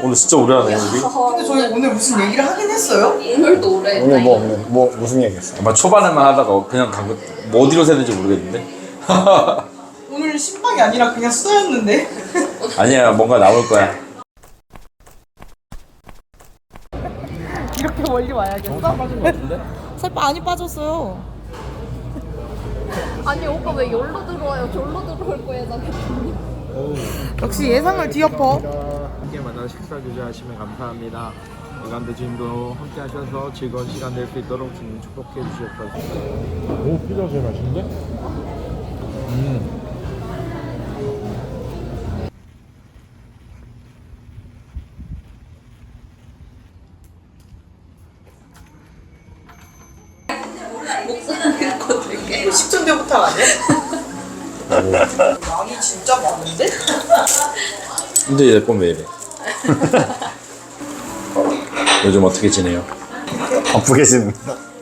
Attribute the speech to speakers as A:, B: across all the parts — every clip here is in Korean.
A: 오늘 진짜 오래 하네 우리.
B: 근데 저희 오늘 무슨 얘기를 하긴 했어요?
C: 오늘도 오래
D: 오늘 뭐 무슨 얘기했어?
A: 아마 초반에만 하다가 그냥 간거 뭐 어디로 새는지 모르겠는데.
B: 오늘 신방이 아니라 그냥 수다였는데.
A: 아니야 뭔가 나올 거야.
B: 이렇게 멀리 와야겠어? 살 많이 빠졌어요.
C: 아니 오빠 왜 여기로 들어와요? 저기로 들어올 거예요.
B: 역시 예상을 뒤엎어.
E: 함께 만나 식사 주저하시면 감사합니다. 이간도 지금도 함께 하셔서 즐거운 시간 될 수 있도록 주님 축복해 주셨다.
F: 오, 피자 제일 맛있는데?
C: 목소리 거 들게.
B: 식전대부터 아니야? 양이 진짜 많은데?
A: 근데 얘 꼼왜 이래? 요즘 어떻게 지내요?
D: 바쁘게 지냅니다.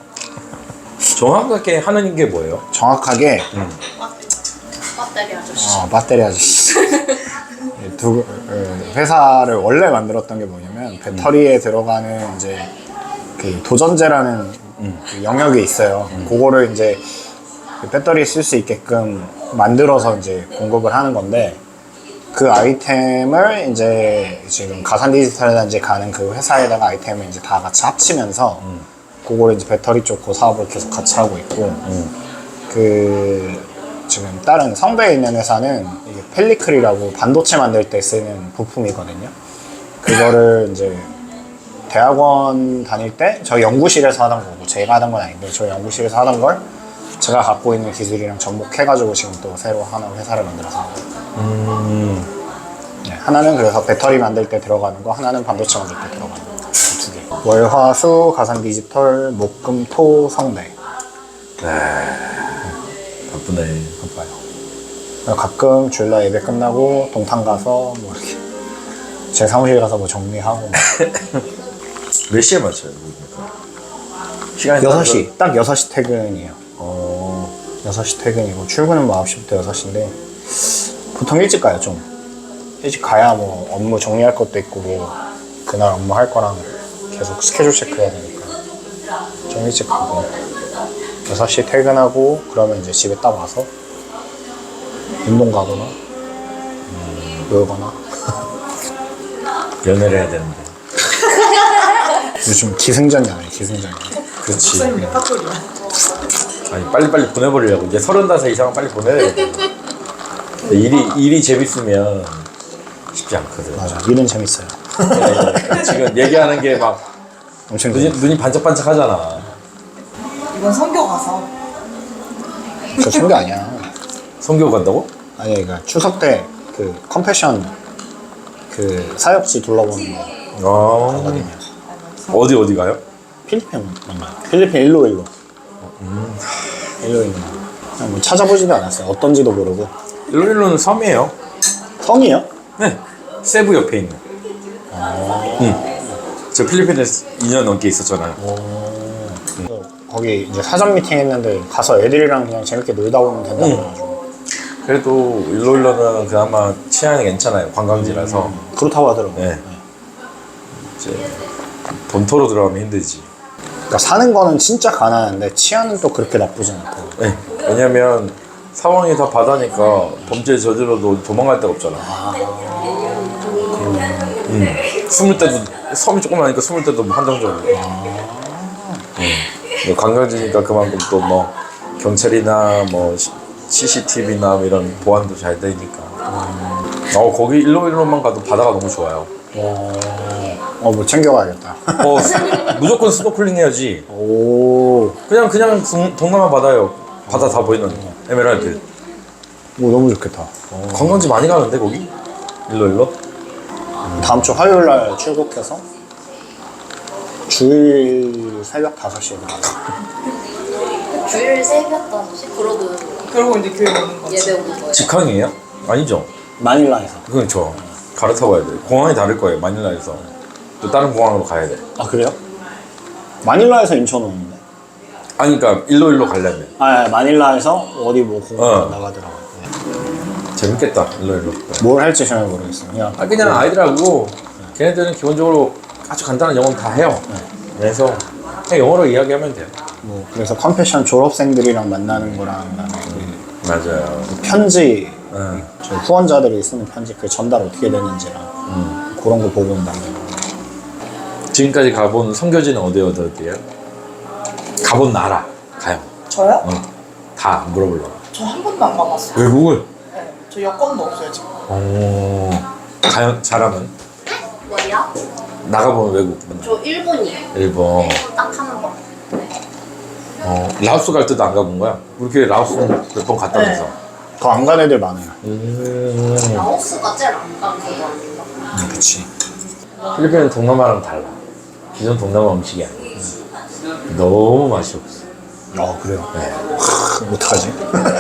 A: 정확하게 하는 게 뭐예요?
D: 정확하게
C: 배터리 아저씨.
D: 배터리 아저씨. 회사를 원래 만들었던 게 뭐냐면 배터리에 들어가는 이제 그 도전제라는 그 영역이 있어요. 그거를 이제 그 배터리에 쓸 수 있게끔 만들어서 이제 공급을 하는 건데, 그 아이템을 이제 지금 가산 디지털 단지 가는 그 회사에다가 아이템을 이제 다 같이 합치면서 그거를 이제 배터리 쪽 그 사업을 계속 같이 하고 있고, 그 지금 다른 성배에 있는 회사는 이게 펠리클이라고 반도체 만들 때 쓰는 부품이거든요. 그거를 이제 대학원 다닐 때 저희 연구실에서 하던 거고, 제가 하던 건 아닌데 저희 연구실에서 하던 걸 제가 갖고 있는 기술이랑 접목해가지고 지금 또 새로 하나 회사를 만들어서 네, 하나는 그래서 배터리 만들 때 들어가는 거, 하나는 반도체 만들 때 들어가는 거, 두 개. 월, 화, 수, 가산 디지털, 목, 금, 토, 성배.
A: 바쁘네.
D: 바빠요. 가끔 주일날 예배 끝나고 동탄 가서 뭐 이렇게 제 사무실 가서 뭐 정리하고
A: 몇 시에 맞춰요? 시간이
D: 6시, 딱 6시 퇴근이에요. 6시 퇴근이고 출근은 뭐 9시부터 6시인데 보통 일찍 가요. 좀 일찍 가야 뭐 업무 정리할 것도 있고 뭐 그날 업무 할 거랑 계속 스케줄 체크해야 되니까 좀 일찍 가고 6시 퇴근하고 그러면 이제 집에 딱 와서 운동 가거나 놀거나.
A: 연애를 해야 되는데.
D: 요즘 기승전이야, 기승전.
A: 그렇지.
B: 목사님 레파토리야.
A: 아니 빨리빨리 보내버리려고. 이제 35 이상은 빨리 보내야 돼. 일이 재밌으면 쉽지 않거든.
D: 맞아, 일은 재밌어요.
A: 지금 얘기하는 게 막
D: 엄청
A: 눈이 반짝반짝 하잖아.
B: 이건 선교 가서.
D: 저 선교 아니야.
A: 성교 간다고?
D: 아니, 그러니까 추석 때 그 컴패션 그 사역지 둘러보는 거 하거든요.
A: 어디 가요?
D: 필리핀 맞나요? 필리핀 일로. 일로. 그냥 뭐 찾아보지도 않았어요. 어떤지도 모르고.
A: 일로일로는 섬이에요.
D: 섬이요?
A: 네. 세부 옆에 있는. 저 필리핀에 2년 넘게 있었잖아요.
D: 거기 이제 사전 미팅 했는데 가서 애들이랑 그냥 재밌게 놀다 오면 된다고 해가지고.
A: 그래도 일로일로는 그나마 치안이 괜찮아요. 관광지라서.
D: 그렇다고 하더라고요.
A: 네. 이제 본토로 들어가면 힘들지.
D: 그러니까 사는 거는 진짜 가난한데 치안은 또 그렇게 나쁘진 않고.
A: 네. 왜냐면 상황이 다 바다니까 범죄 저질러도 도망갈 데가 없잖아. 숨을 때도 섬이 조그마하니까 숨을 때도 한정적으로. 관광지니까 그만큼 또 뭐 경찰이나 뭐 CCTV나 이런 보안도 잘 되니까. 거기 일로일로만 가도 바다가 너무 좋아요.
D: 뭐 챙겨가야겠다.
A: 무조건 스노클링 해야지.
D: 오,
A: 그냥 동남아 바다요. 바다 다 보이는 에메랄드.
D: 오, 너무 좋겠다.
A: 관광지 많이 가는데 거기? 일로일로?
D: 다음 주 화요일 날 출국해서 주일 새벽 5시에 나가.
C: 주일 새벽 5시?
B: 그러고 이제 교회 오는 거지.
C: 예배 오는 거예요.
A: 직항이에요? 아니죠.
D: 마닐라에서.
A: 그건 저 갈아타고 가야 돼. 공항이 다를 거예요. 마닐라에서 또 다른 공항으로 가야 돼.
D: 아, 그래요? 마닐라에서 인천 오는데?
A: 아니 그러니까 일로일로 가려면
D: 마닐라에서 어디 뭐 공항 나가더라고요.
A: 재밌겠다. 일로일로.
D: 뭘 할지 잘 모르겠어요. 그냥
A: 그냥 아이들하고 걔네들은 기본적으로 아주 간단한 영어는 다 해요. 그래서 그냥 영어로 이야기하면 돼요.
D: 뭐 그래서 컴패션 졸업생들이랑 만나는 거랑
A: 맞아요.
D: 그 편지
A: 응.
D: 저 후원자들이 쓰는 편지 그 전달 어떻게 되는지랑 그런 거 보고 온다는 거.
A: 지금까지 가본 선교지는 어디예요? 가본 나라 가요.
B: 저요?
A: 다 물어보려고.
B: 저 한 번도 안 가봤어요.
A: 외국을?
B: 네. 저 여권도 없어요 지금.
A: 가요 잘하면
C: 뭐야?
A: 나가보면 외국.
C: 저 일본이요.
A: 일본.
C: 딱 한 번.
A: 라오스 갈 때도 안 가본 거야? 우리 라오스는 몇 번 갔다면서.
D: 더 안 간 애들 많아요.
C: 라오스가 제일 안 가는 거 같아요.
D: 그치.
A: 필리핀은 동남아랑 달라. 기존 동남아 음식이 아니야. 너무 맛이 없어.
D: 그래요?
A: 네.
D: 어떡하지?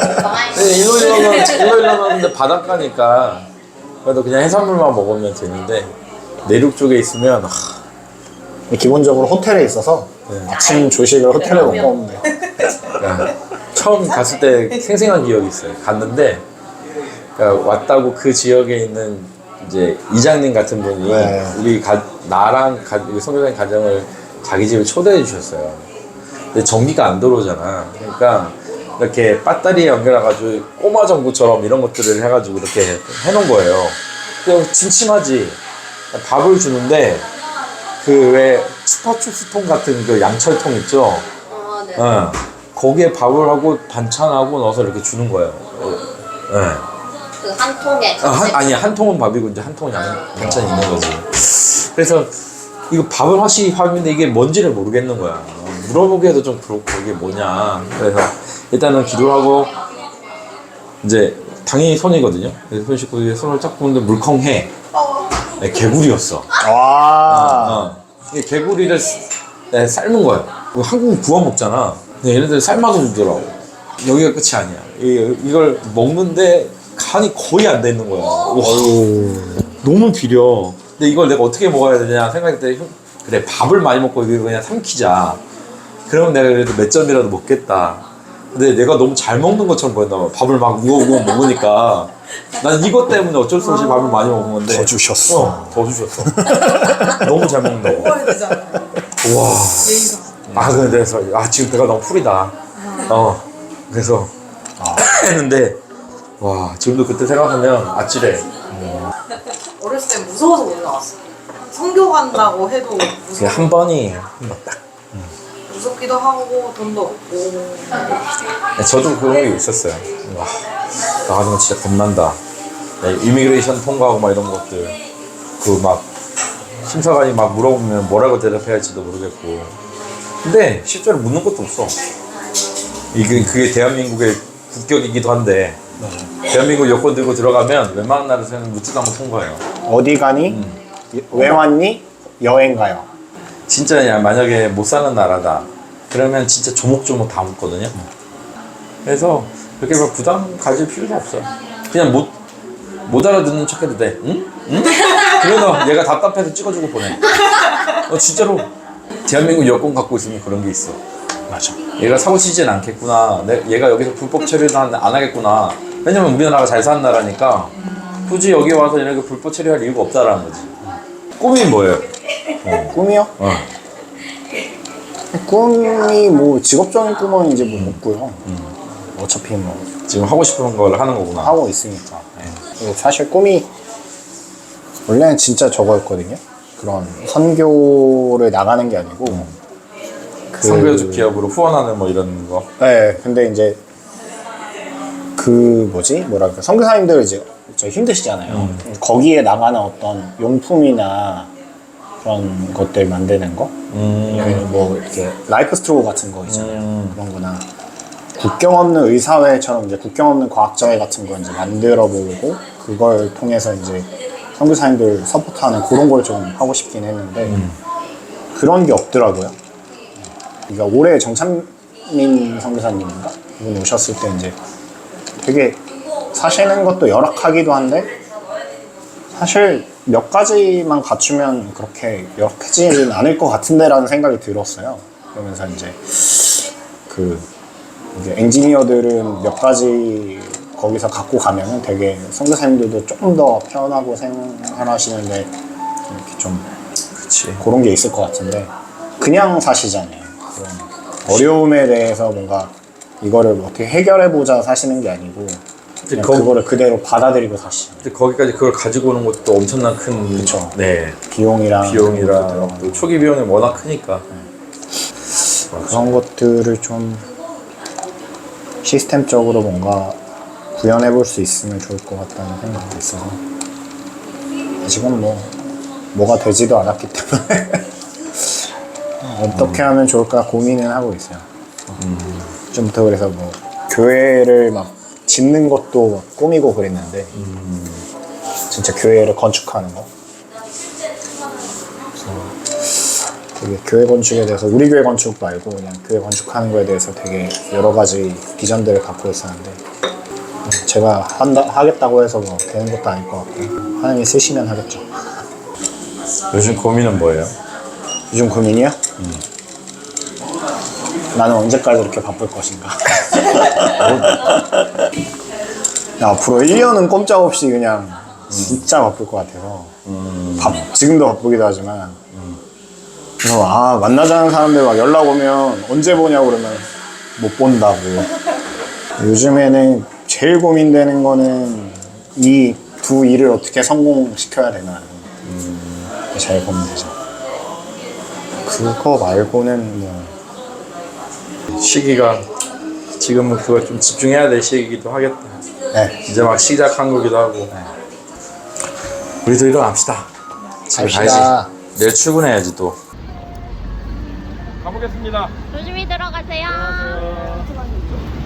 A: 일로일로는 근데 바닷가니까 그래도 그냥 해산물만 먹으면 되는데 내륙 쪽에 있으면
D: 기본적으로 호텔에 있어서 아침 조식을 호텔에 먹고 오면 돼요.
A: 처음 갔을 때 생생한 기억이 있어요. 갔는데 그러니까 왔다고 그 지역에 있는 이제 이장님 같은 분이
D: 네.
A: 나랑 우리 선교사님 가정을 자기 집에 초대해 주셨어요. 근데 전기가 안 들어오잖아. 그러니까 이렇게 배터리에 연결해가지고 꼬마 전구처럼 이런 것들을 해가지고 이렇게 해놓은 거예요. 그냥 침침하지. 밥을 주는데 그 왜 추파춥스통 같은 그 양철통 있죠?
C: 네.
A: 거기에 밥을 하고 반찬하고 넣어서 이렇게 주는 거예요.
C: 그 한 통에.
A: 한 통은 밥이고 이제 한 통은 반찬이 있는 거지. 그래서 이거 밥을 하시 밥인데 이게 뭔지를 모르겠는 거야. 물어보기에도 좀 그렇고 이게 뭐냐. 그래서 일단은 기도를 하고 이제 당연히 손이거든요. 그래서 손 씻고 손을 쫙 보는데 물컹해. 네, 개구리였어.
D: 와.
A: 이게 개구리를 삶은 거예요. 한국은 구워 먹잖아. 근데 얘네들 삶아서 주더라고. 여기가 끝이 아니야. 이걸 먹는데 간이 거의 안 돼 있는 거야. 와, 너무 비려. 근데 이걸 내가 어떻게 먹어야 되냐 생각했더니 그래 밥을 많이 먹고 이거 그냥 삼키자. 그러면 내가 그래도 몇 점이라도 먹겠다. 근데 내가 너무 잘 먹는 것처럼 보였나 봐. 밥을 막 우거우거 먹으니까 난 이것 때문에 어쩔 수 없이 밥을 많이 먹은 건데
D: 더 주셨어.
A: 더 주셨어. 너무 잘 먹는다고.
B: 먹어야 되잖아요.
A: 와. 그래서 지금 배가 너무 풀이다. 그래서 했는데 와 지금도 그때 생각하면 아찔해.
B: 어렸을 때 무서워서 못 나왔어요. 성교 간다고 해도
A: 그냥 한 번이에요. 딱.
B: 무섭기도 하고 돈도 없고.
A: 저도 그런 게 있었어요. 와, 나가지고 진짜 겁난다. 이미그레이션 통과하고 막 이런 것들. 그 막 심사관이 막 물어보면 뭐라고 대답해야 할지도 모르겠고. 근데 실제로 묻는 것도 없어. 그게 대한민국의 국격이기도 한데 대한민국 여권 들고 들어가면 웬만한 나라에서는 묻지도 않고 통과해요.
D: 어디 가니? 왜 왔니? 여행 가요.
A: 진짜 만약에 못 사는 나라다 그러면 진짜 조목조목 다 묻거든요. 그래서 그렇게 막 부담 가질 필요도 없어요. 그냥 못 알아듣는 척 해도 돼. 응? 응? 그러면 얘가 답답해서 찍어주고 보내. 진짜로 대한민국 여권 갖고 있으면 그런 게 있어.
D: 맞아.
A: 얘가 사고 치진 않겠구나. 얘가 여기서 불법 처리를 안 하겠구나. 왜냐면 우리나라가 잘 사는 나라니까 굳이 여기 와서 이렇게 불법 처리할 이유가 없다라는 거지. 꿈이 뭐예요?
D: 꿈이요? 꿈이 뭐 직업적인 꿈은 이제 뭐 없고요. 어차피 뭐
A: 지금 하고 싶은 걸 하는 거구나.
D: 하고 있으니까. 그리고 사실 꿈이 원래는 진짜 저거였거든요. 그런 선교를 나가는 게 아니고
A: 선교적 기업으로 후원하는 뭐 이런 거.
D: 네, 근데 이제 그 뭐랄까 선교사님들 이제 힘드시잖아요. 거기에 나가는 어떤 용품이나 그런 것들 만드는 거, 뭐 이렇게 라이프 스토어 같은 거 있잖아요. 그런 거나 국경 없는 의사회처럼 이제 국경 없는 과학자회 같은 거 이제 만들어 보고 그걸 통해서 이제 선교사님들 서포트하는 그런 걸 좀 하고 싶긴 했는데 그런 게 없더라고요. 그러니까 올해 정찬민 선교사님인가 이분 오셨을 때 이제 되게 사시는 것도 열악하기도 한데 사실 몇 가지만 갖추면 그렇게 열악하지는 않을 것 같은데라는 생각이 들었어요. 그러면서 이제 이제 엔지니어들은 몇 가지 거기서 갖고 가면은 되게 선교사님들도 조금 더 편하고 생활하시는데 좀
A: 그치.
D: 그런 게 있을 것 같은데 그냥 사시잖아요. 그런 어려움에 대해서 뭔가 이거를 뭐 어떻게 해결해보자 사시는 게 아니고 그냥 그거를 그대로 받아들이고 사시죠.
A: 근데 거기까지 그걸 가지고 오는 것도 엄청난 큰
D: 그쵸.
A: 네.
D: 비용이랑
A: 비용이랑 또 초기 비용이 워낙 크니까.
D: 그런 것들을 좀 시스템적으로 뭔가 구현해 볼 수 있으면 좋을 것 같다는 생각이 있어서 아직은 뭐가 되지도 않았기 때문에 어떻게 하면 좋을까 고민은 하고 있어요. 좀부터 그래서 뭐 교회를 막 짓는 것도 막 꿈이고 그랬는데 진짜 교회를 건축하는 거. 그래서 되게 교회 건축에 대해서 우리 교회 건축 말고 그냥 교회 건축하는 거에 대해서 되게 여러 가지 비전들을 갖고 있었는데 제가 하겠다고 해서 뭐 되는 것도 아닐 것 같고 하나님이 쓰시면 하겠죠.
A: 요즘 고민은 뭐예요?
D: 요즘 고민이요? 나는 언제까지 이렇게 바쁠 것인가. 앞으로 1년은 꼼짝없이 그냥 진짜 바쁠 것 같아서 지금도 바쁘기도 하지만 그래서 만나자는 사람들 막 연락 오면 언제 보냐고 그러면 못 본다고. 요즘에는 제일 고민되는 거는 이 두 일을 어떻게 성공시켜야 되나 제일 고민되죠. 그거 말고는 뭐
A: 시기가 지금은 그거 좀 집중해야 될 시기이기도 하겠다.
D: 네.
A: 이제 막 시작한 거기도 하고. 우리도 일어납시다. 집에
D: 갑시다.
A: 가야지. 내일 출근해야지 또.
E: 가보겠습니다.
C: 조심히 들어가세요.